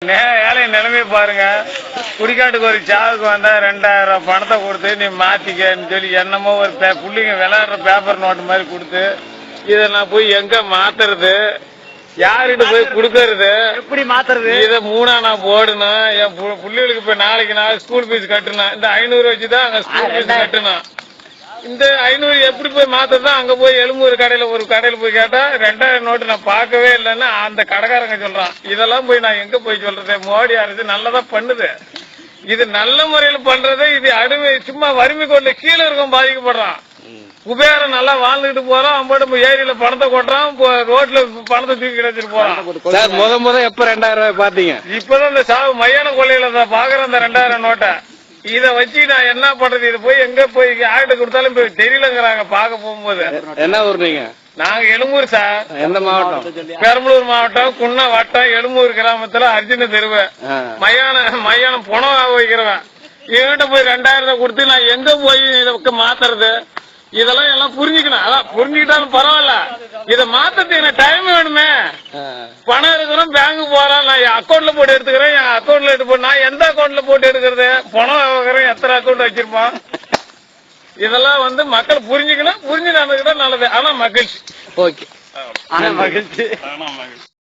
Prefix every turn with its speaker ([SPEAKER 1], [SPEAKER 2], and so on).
[SPEAKER 1] ஏழை நிலைமையை பாருங்க. குடிக்காட்டுக்கு ஒரு சாவுக்கு வந்தா 2000 பணத்தை கொடுத்து நீ மாத்திக்கன்னு சொல்லி என்னமோ ஒரு புள்ளிங்க விளையாடுற பேப்பர் நோட்டு மாதிரி கொடுத்து இதை நான் போய் எங்க மாத்துறது, யாருகிட்ட போய் குடுக்கறது,
[SPEAKER 2] எப்படி மாத்துறது?
[SPEAKER 1] இதை 3 நான் போடணும். என் புள்ளிகளுக்கு இப்ப நாளைக்கு நான் ஸ்கூல் ஃபீஸ் கட்டணும். இந்த 500 வச்சுதான் அங்க ஸ்கூல் ஃபீஸ் கட்டணும். இந்த 500 எப்படி போய் மாத்ததான்? அங்க போய் எழும்பூர் ஒரு கடையில போய் கேட்டா 2000 நோட்டு நான் பார்க்கவே இல்லைன்னா அந்த கடைக்காரங்க சொல்றான். இதெல்லாம் போய் நான் எங்க போய் சொல்றது? மோடி அரசு நல்லதா பண்ணுது. இது நல்ல முறையில பண்றது. இது அடிமை சும்மா வறுமை கோட்ல கீழே இருக்கும் பாதிக்கப்படுறான். குபேரம் நல்லா வாழ்ந்துட்டு போறான். அம்பாட்டு ஏரியில பணத்தை கொட்டுறான், ரோட்ல பணத்தை தூக்கி கிடைச்சிட்டு போறான்.
[SPEAKER 2] முத எப்ப 2000 ரூபாய் பாத்தீங்க?
[SPEAKER 1] இப்பதான் இந்த சாவு மையான கொள்ளையில பாக்குறேன் அந்த 2000 நோட்டை. இத வச்சு நான் என்ன பண்றது? இது போய் எங்க போய் யார்கிட்ட கொடுத்தாலும் தெரியலங்கிறாங்க பாக்க போகும்போது.
[SPEAKER 2] என்ன ஊர் நீங்க?
[SPEAKER 1] நாங்க எழும்பூர் சார்.
[SPEAKER 2] எந்த மாவட்டம்?
[SPEAKER 1] பெரம்பலூர் மாவட்டம், குன்ன வட்டம், எழும்பூர் கிராமத்துல அர்ஜுன தெருவு. மையானம் பணம் வைக்கிறவன். இவன்கிட்ட போய் 2000 கொடுத்து நான் எங்க போய் இதை மாத்துறது? இதெல்லாம் எல்லாம் புரிஞ்சுக்கணும். அதான் புரிஞ்சுக்கிட்டாலும் பரவாயில்ல. இதை மாத்தத்துக்கு எனக்கு டைம் வேணுமே. பணம் இருக்கிறோம், பேங்க் போறேன், நான் என் அக்கௌண்ட்ல போட்டு எடுத்துக்கிறேன். என் அக்கௌண்ட்ல எடுத்து நான் எந்த அக்கௌண்ட்ல போட்டு எடுக்கிறது? பணம் வைக்கிறேன், எத்தனை அக்கௌண்ட் வச்சிருப்பான்? இதெல்லாம் மக்கள் புரிஞ்சுக்கணும். புரிஞ்சு நடந்துக்கிட்டா நல்லது. ஆனா மகிழ்ச்சி.
[SPEAKER 2] ஓகே. ஆனா மகிழ்ச்சி.